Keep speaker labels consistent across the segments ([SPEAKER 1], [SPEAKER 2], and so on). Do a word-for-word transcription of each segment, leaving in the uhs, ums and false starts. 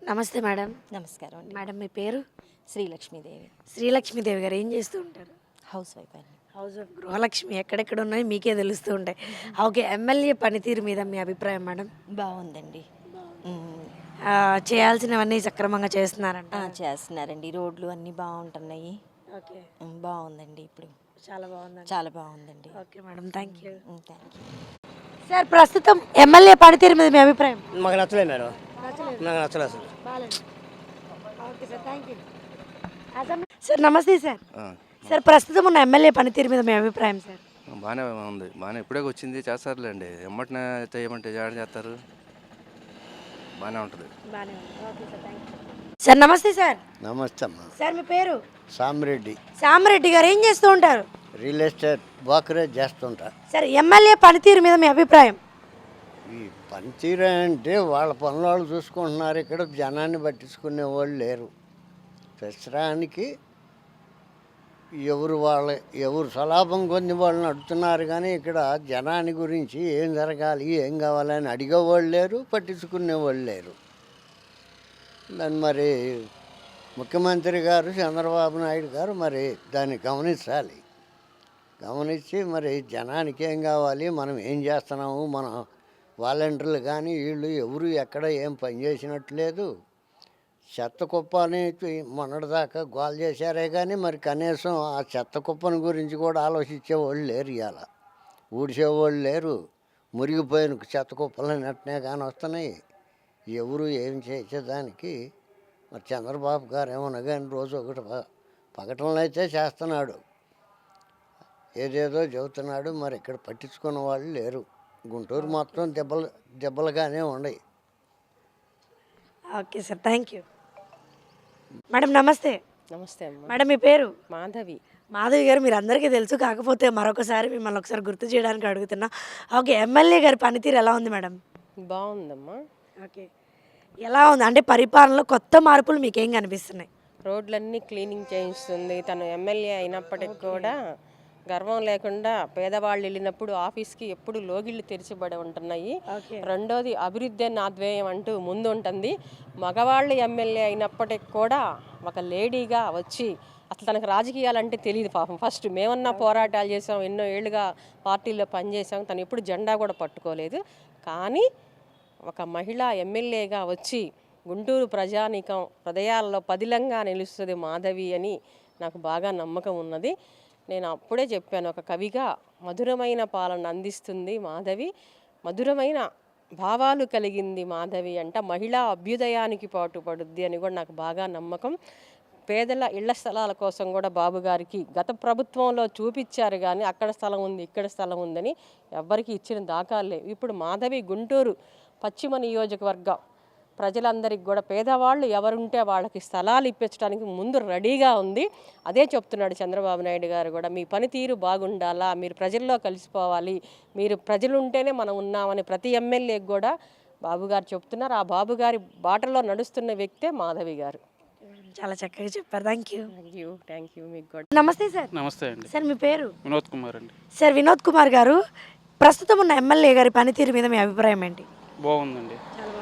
[SPEAKER 1] నమస్తే మేడం.
[SPEAKER 2] నమస్కారం అండి.
[SPEAKER 1] మేడం మీ పేరు?
[SPEAKER 2] శ్రీలక్ష్మీదేవి.
[SPEAKER 1] శ్రీలక్ష్మీదేవి గారు ఏం చేస్తూ ఉంటారు?
[SPEAKER 2] హౌస్ వైఫ్ అండి.
[SPEAKER 1] హౌస్ ఆఫ్ గృహలక్ష్మి ఎక్కడెక్కడ ఉన్నాయి మీకే తెలుస్తూ ఉంటాయి. ఓకే, ఎమ్మెల్యే పనితీరు మీద మీ అభిప్రాయం మేడం?
[SPEAKER 2] బాగుందండి. మ్మ్.
[SPEAKER 1] ఆ, చేయాల్సినవన్నీ సక్రమంగా చేస్తున్నారంట.
[SPEAKER 2] ఆ, చేస్తున్నారండి. రోడ్లు అన్నీ బాగుంటున్నాయి.
[SPEAKER 1] ఓకే,
[SPEAKER 2] మ్మ్, బాగుందండి. ఇప్పుడు
[SPEAKER 1] చాలా బాగుందండి.
[SPEAKER 2] చాలా బాగుందండి.
[SPEAKER 1] Okay madam, thank you.
[SPEAKER 2] Thank you.
[SPEAKER 1] Sir, ప్రస్తుతం ఎమ్మెల్యే పనితీరు మీద మీ అభిప్రాయం?
[SPEAKER 3] మాకు నచ్చలేదు మేడం,
[SPEAKER 1] నచ్చలేదు.
[SPEAKER 3] నాకు నచ్చలేదు అసలు.
[SPEAKER 1] బాగాలేదు. Okay sir, thank you. Sir నమస్తే సార్. సార్, ప్రస్తుతం ఉన్న ఎమ్మెల్యే పనితీరు మీద మీ అభిప్రాయం సార్?
[SPEAKER 4] బాగానే ఉంది, బాగానే ఇప్పుడే వచ్చింది, చేస్తారులేండి. ఎమ్మటినే చేయమంటే జాయిన్ చేస్తారు, బాగానే ఉంటుంది.
[SPEAKER 1] బాగానే ఉంది. Okay sir, thank you. Sir నమస్తే సార్.
[SPEAKER 5] నమస్తే అమ్మా.
[SPEAKER 1] సార్ మీ పేరు?
[SPEAKER 5] సామిరెడ్డి.
[SPEAKER 1] సామిరెడ్డి గారు ఏం చేస్తూ ఉంటారు?
[SPEAKER 5] రియల్ ఎస్టేట్ బ్రోకరేజ్ చేస్తుంటా.
[SPEAKER 1] సార్, ఎమ్మెల్యే పనితీరు మీద మీ అభిప్రాయం?
[SPEAKER 5] ఈ పనితీరు అంటే వాళ్ళ పనులు వాళ్ళు చూసుకుంటున్నారు, ఇక్కడ జనాన్ని పట్టించుకునే వాళ్ళు లేరు. ప్రస్తుతానికి ఎవరు వాళ్ళ ఎవరు స్వలాభం కొన్ని వాళ్ళు నడుతున్నారు, కానీ ఇక్కడ జనాన్ని గురించి ఏం జరగాలి ఏం కావాలని అడిగేవాళ్ళు లేరు, పట్టించుకునేవాళ్ళు లేరు. దాన్ని మరి ముఖ్యమంత్రి గారు చంద్రబాబు నాయుడు గారు మరి దాన్ని గమనించాలి. గమనించి మరి జనానికి ఏం కావాలి, మనం ఏం చేస్తున్నాము, మన వాలంటీర్లు కానీ వీళ్ళు ఎవరు ఎక్కడ ఏం పని చేసినట్లేదు. చెత్త కుప్పని మొన్నటిదాకా గోల్ చేశారే కానీ మరి కనీసం ఆ చెత్త కుప్పని గురించి కూడా ఆలోచించేవాళ్ళు లేరు. ఇవాళ ఊడ్చేవాళ్ళు లేరు. మురిగిపోయిన చెత్త కుప్పలు నెట్టనే కానీ వస్తున్నాయి. ఎవరు ఏం చేసేదానికి మరి చంద్రబాబు గారు ఏమన్నా కానీ రోజు ఒకటి పగటంలో అయితే చేస్తున్నాడు, ఏదేదో చెబుతున్నాడు. మరి ఇక్కడ పట్టించుకున్న వాళ్ళు లేరు. గుంటూరు మొత్తం దెబ్బలు దెబ్బలుగానే ఉన్నాయి.
[SPEAKER 1] Okay sir, thank you. Madam నమస్తే.
[SPEAKER 2] నమస్తే అమ్మ.
[SPEAKER 1] మేడం మీ పేరు?
[SPEAKER 2] మాధవి.
[SPEAKER 1] మాధవి గారు, మీరు అందరికీ తెలుసు, కాకపోతే మరొకసారి మిమ్మల్ని ఒకసారి గుర్తు చేయడానికి అడుగుతున్నా. ఓకే, ఎమ్మెల్యే గారి పనితీరు ఎలా ఉంది మేడం?
[SPEAKER 2] బాగుందమ్మా.
[SPEAKER 1] ఓకే, ఎలా ఉంది అంటే పరిపాలనలో కొత్త మార్పులు మీకేం కనిపిస్తున్నాయి?
[SPEAKER 6] రోడ్లన్నీ క్లీనింగ్ చేయిస్తుంది. తను ఎమ్మెల్యే అయినప్పటికి కూడా గర్వం లేకుండా పేదవాళ్ళు వెళ్ళినప్పుడు ఆఫీస్కి ఎప్పుడు లోగిళ్ళు తెరిచిబడి ఉంటున్నాయి. రెండోది అభివృద్ధి అన్న ఆధ్వేయం అంటూ ముందు ఉంటుంది. మగవాళ్ళు ఎమ్మెల్యే అయినప్పటికి కూడా ఒక లేడీగా వచ్చి అసలు తనకు రాజకీయాలంటే తెలియదు పాపం. ఫస్ట్ మేమన్నా పోరాటాలు చేసాం, ఎన్నో ఏళ్ళుగా పార్టీలో పనిచేసాం, తను ఎప్పుడు జెండా కూడా పట్టుకోలేదు. కానీ ఒక మహిళ ఎమ్మెల్యేగా వచ్చి గుంటూరు ప్రజానీకం హృదయాల్లో పదిలంగా నిలుస్తుంది మాధవి అని నాకు బాగా నమ్మకం ఉన్నది. నేను అప్పుడే చెప్పాను, ఒక కవిగా మధురమైన పాలన అందిస్తుంది మాధవి, మధురమైన భావాలు కలిగింది మాధవి అంట, మహిళా అభ్యుదయానికి పాటుపడుద్ది అని కూడా నాకు బాగా నమ్మకం. పేదల ఇళ్ల స్థలాల కోసం కూడా బాబు గారికి గత ప్రభుత్వంలో చూపించారు, కానీ అక్కడ స్థలం ఉంది ఇక్కడ స్థలం ఉందని ఎవ్వరికి ఇచ్చిన దాఖలు లేవు. ఇప్పుడు మాధవి గుంటూరు పశ్చిమ నియోజకవర్గం ప్రజలందరికీ కూడా పేదవాళ్ళు ఎవరుంటే వాళ్ళకి స్థలాలు ఇప్పించడానికి ముందు రెడీగా ఉంది. అదే చెప్తున్నాడు చంద్రబాబు నాయుడు గారు కూడా, మీ పనితీరు బాగుండాలా, మీరు ప్రజల్లో కలిసిపోవాలి, మీరు ప్రజలు ఉంటేనే మనం ఉన్నామని ప్రతి ఎమ్మెల్యేకి కూడా బాబు గారు చెప్తున్నారు. ఆ బాబు గారి బాటలో నడుస్తున్న వ్యక్తే మాధవి గారు.
[SPEAKER 1] చాలా చక్కగా చెప్పారు, thank you.
[SPEAKER 6] Thank you thank you మీకు కూడా.
[SPEAKER 1] నమస్తే సార్.
[SPEAKER 7] నమస్తే అండి.
[SPEAKER 1] సార్ మీ పేరు?
[SPEAKER 7] వినోద్ కుమార్ అండి.
[SPEAKER 1] సార్ వినోద్ కుమార్ గారు, ప్రస్తుతం ఉన్న ఎమ్మెల్యే గారి పనితీరు మీద మీ అభిప్రాయం ఏంటి?
[SPEAKER 7] బాగుందండి.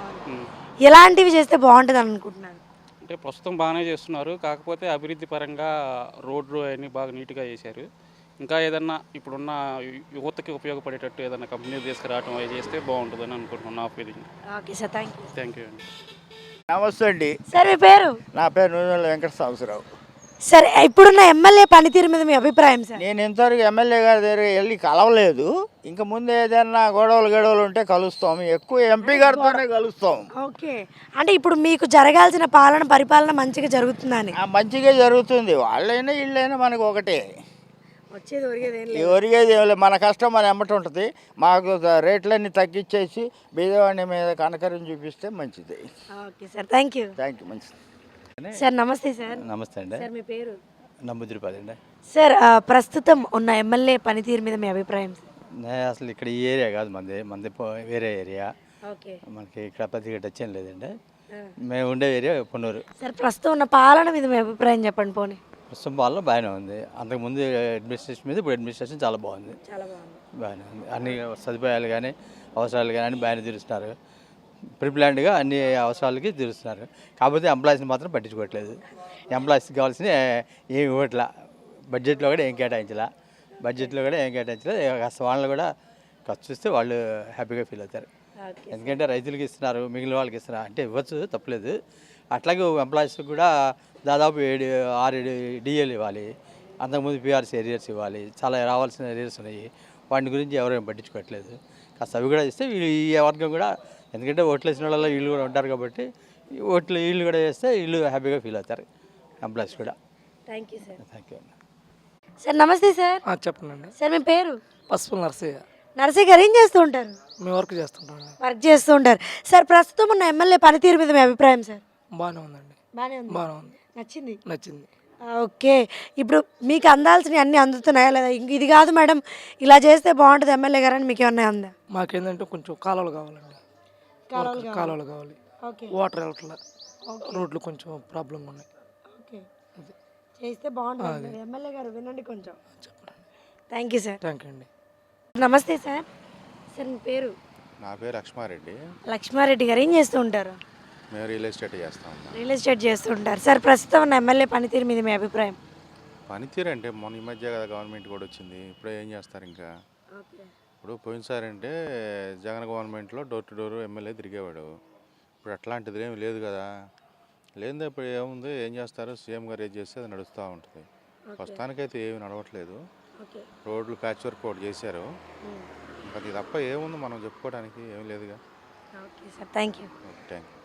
[SPEAKER 1] ఎలాంటివి చేస్తే బాగుంటుంది అని అనుకుంటున్నారు?
[SPEAKER 7] అంటే ప్రస్తుతం బాగానే చేస్తున్నారు, కాకపోతే అభివృద్ధి పరంగా రోడ్లు అవన్నీ బాగా నీట్గా చేశారు. ఇంకా ఏదన్నా ఇప్పుడున్న యువతకి ఉపయోగపడేటట్టు ఏదైనా కంపెనీలు తీసుకురావడం అవి చేస్తే బాగుంటుందని అనుకుంటున్నాను, నా feeling.
[SPEAKER 1] Okay sir, thank you.
[SPEAKER 7] Thank you అండి.
[SPEAKER 3] నమస్తే అండి.
[SPEAKER 1] సార్ మీ పేరు?
[SPEAKER 3] నా పేరు నూనెల వెంకట సాంబశివరావు.
[SPEAKER 1] సార్, ఇప్పుడున్న ఎమ్మెల్యే పనితీరు మీద మీ అభిప్రాయం సార్?
[SPEAKER 3] నేను ఇంతవరకు ఎమ్మెల్యే గారి దగ్గర వెళ్ళి కలవలేదు. ఇంకా ముందు ఏదైనా గొడవలు గొడవలు ఉంటే కలుస్తాం, ఎక్కువ ఎంపీ గారితోనే కలుస్తాం.
[SPEAKER 1] ఓకే, అంటే ఇప్పుడు మీకు జరగాల్సిన పాలన పరిపాలన మంచిగా జరుగుతుందని?
[SPEAKER 3] మంచిగా జరుగుతుంది. వాళ్ళైనా వీళ్ళైనా మనకు ఒకటే,
[SPEAKER 1] వచ్చేది ఒరిగేది
[SPEAKER 3] ఒరిగేది ఏం లేదు. మన కష్టం మన ఎమ్మటి ఉంటుంది. మాకు రేట్లన్నీ తగ్గించేసి బీదవాడిని మీద కనకరం చూపిస్తే మంచిది.
[SPEAKER 1] Okay sir, thank you.
[SPEAKER 3] Thank you. మంచిది
[SPEAKER 1] సార్. నమస్తే సార్.
[SPEAKER 8] నమస్తే అండి.
[SPEAKER 1] సార్ మీ పేరు?
[SPEAKER 8] నమ్ముద్రిపాది అండి.
[SPEAKER 1] సార్, ప్రస్తుతం ఉన్న ఎమ్మెల్యే పనితీరు మీద మీ అభిప్రాయం?
[SPEAKER 8] అసలు ఇక్కడ ఈ ఏరియా కాదు మంది, మంది వేరే ఏరియా.
[SPEAKER 1] ఓకే,
[SPEAKER 8] మనకి ఇక్కడ పెద్దగా టచ్ ఏం లేదండి. మేము ఉండే ఏరియా పొన్నూరు.
[SPEAKER 1] సార్, ప్రస్తుతం ఉన్న పాలన మీద మీ అభిప్రాయం చెప్పండి పోనీ.
[SPEAKER 8] ప్రస్తుతం పాలన బాగానే ఉంది. అంతకుముందు అడ్మినిస్ట్రేషన్ మీద ఇప్పుడు అడ్మినిస్ట్రేషన్ చాలా బాగుంది.
[SPEAKER 1] చాలా బాగుంది.
[SPEAKER 8] బాగానే ఉంది. అన్ని సదుపాయాలు కానీ అవసరాలు కానీ అన్ని బాగానే తీరుస్తున్నారు. ప్రిప్లాన్డ్గా అన్ని అవసరాలకి తీరుస్తున్నారు. కాకపోతే ఎంప్లాయీస్ని మాత్రం పట్టించుకోవట్లేదు. ఎంప్లాయీస్కి కావాల్సిన ఏమి ఇవ్వట్లా, బడ్జెట్లో కూడా ఏం కేటాయించలా బడ్జెట్లో కూడా ఏం కేటాయించలేదు. కాస్త వాళ్ళని కూడా ఖర్చు చూస్తే వాళ్ళు హ్యాపీగా ఫీల్ అవుతారు. ఎందుకంటే రైతులకి ఇస్తున్నారు, మిగిలిన వాళ్ళకి ఇస్తున్నారు అంటే ఇవ్వచ్చు, తప్పలేదు. అట్లాగే ఎంప్లాయీస్కి కూడా దాదాపు ఏడు ఆరు ఏడు డిఏలు ఇవ్వాలి, అంతకుముందు పిఆర్సీ ఏరియర్స్ ఇవ్వాలి, చాలా రావాల్సిన ఏరియర్స్ ఉన్నాయి. వాటి గురించి ఎవరేం పట్టించుకోవట్లేదు. కాస్త అవి కూడా ఇస్తే వీళ్ళు ఈ వర్గం కూడా, ఎందుకంటే ఓట్లు వేసిన వాళ్ళలో వీళ్ళు కూడా ఉంటారు కాబట్టి ఈ ఓట్లు వీళ్ళు కూడా వేస్తే వీళ్ళు హ్యాపీగా ఫీల్ అవుతారు, ఎంప్లాయీస్ కూడా.
[SPEAKER 1] Thank you sir.
[SPEAKER 8] Thank you.
[SPEAKER 1] Sir నమస్తే సార్.
[SPEAKER 9] చెప్పండి.
[SPEAKER 1] సార్ మీ పేరు?
[SPEAKER 9] పసుపు నర్సయ్య.
[SPEAKER 1] నర్సయ్య గారు ఏం చేస్తూ ఉంటారు?
[SPEAKER 9] మేము వర్క్ చేస్తుంటాం.
[SPEAKER 1] వర్క్ చేస్తూ ఉంటారు. సార్ ప్రస్తుతం ఉన్న ఎమ్మెల్యే పనితీరు మీద మీ అభిప్రాయం సార్?
[SPEAKER 9] బాగానే ఉందండి.
[SPEAKER 1] బాగానే ఉంది.
[SPEAKER 9] బాగానే ఉంది.
[SPEAKER 1] నచ్చింది?
[SPEAKER 9] నచ్చింది.
[SPEAKER 1] ఓకే. ఇప్పుడు మీకు అందాల్సినవి అన్నీ అందుతున్నాయా లేదా? ఇంక ఇది కాదు మేడం, ఇలా చేస్తే బాగుంటుంది ఎమ్మెల్యే గారు అని మీకు ఏమన్నా ఉందా?
[SPEAKER 9] మాకేంటంటే కొంచెం కాలువలు కావాలండి.
[SPEAKER 1] కాలువలు
[SPEAKER 9] కాలువలు కావాలి.
[SPEAKER 1] ఓకే.
[SPEAKER 9] వాటర్ వెళ్ళట్లా, రోడ్లు కొంచెం ప్రాబ్లం ఉన్నాయి.
[SPEAKER 1] ఓకే, చేస్తే బాగుంటుంది ఎమ్మెల్యే గారు, వినండి కొంచెం.
[SPEAKER 9] చెప్పండి.
[SPEAKER 1] Thank you sir.
[SPEAKER 9] Thank you అండి.
[SPEAKER 1] నమస్తే సార్. సార్ మీ పేరు?
[SPEAKER 10] నా పేరు లక్ష్మారెడ్డి.
[SPEAKER 1] లక్ష్మారెడ్డి గారు ఏం చేస్తూ ఉంటారు?
[SPEAKER 10] మేము రియల్ ఎస్టేట్ చేస్తాం.
[SPEAKER 1] రియల్ ఎస్టేట్ చేస్తూ ఉంటారు. సార్ ప్రస్తుతం ఉన్న ఎమ్మెల్యే పనితీరు మీద మీ అభిప్రాయం?
[SPEAKER 10] పనితీరు అంటే మొన్న ఈ మధ్య కదా గవర్నమెంట్ కూడా వచ్చింది, ఇప్పుడు ఏం చేస్తారు ఇంకా. ఇప్పుడు పోయినసారి అంటే జగన్ గవర్నమెంట్లో డోర్ టు డోర్ ఎమ్మెల్యే తిరిగేవాడు. ఇప్పుడు అట్లాంటిది ఏమి లేదు కదా. లేదు ఇప్పుడు ఏముంది, ఏం చేస్తారు, సీఎం గారు ఏం చేస్తే అది నడుస్తూ ఉంటుంది. ప్రస్తుతానికైతే ఏమి నడవట్లేదు. రోడ్లు ప్యాచ్ వర్క్ ఒకటి చేశారు, అది తప్ప ఏముంది మనం చెప్పుకోవడానికి ఏం లేదుగా.
[SPEAKER 1] Okay sir, thank you.
[SPEAKER 10] Thank you.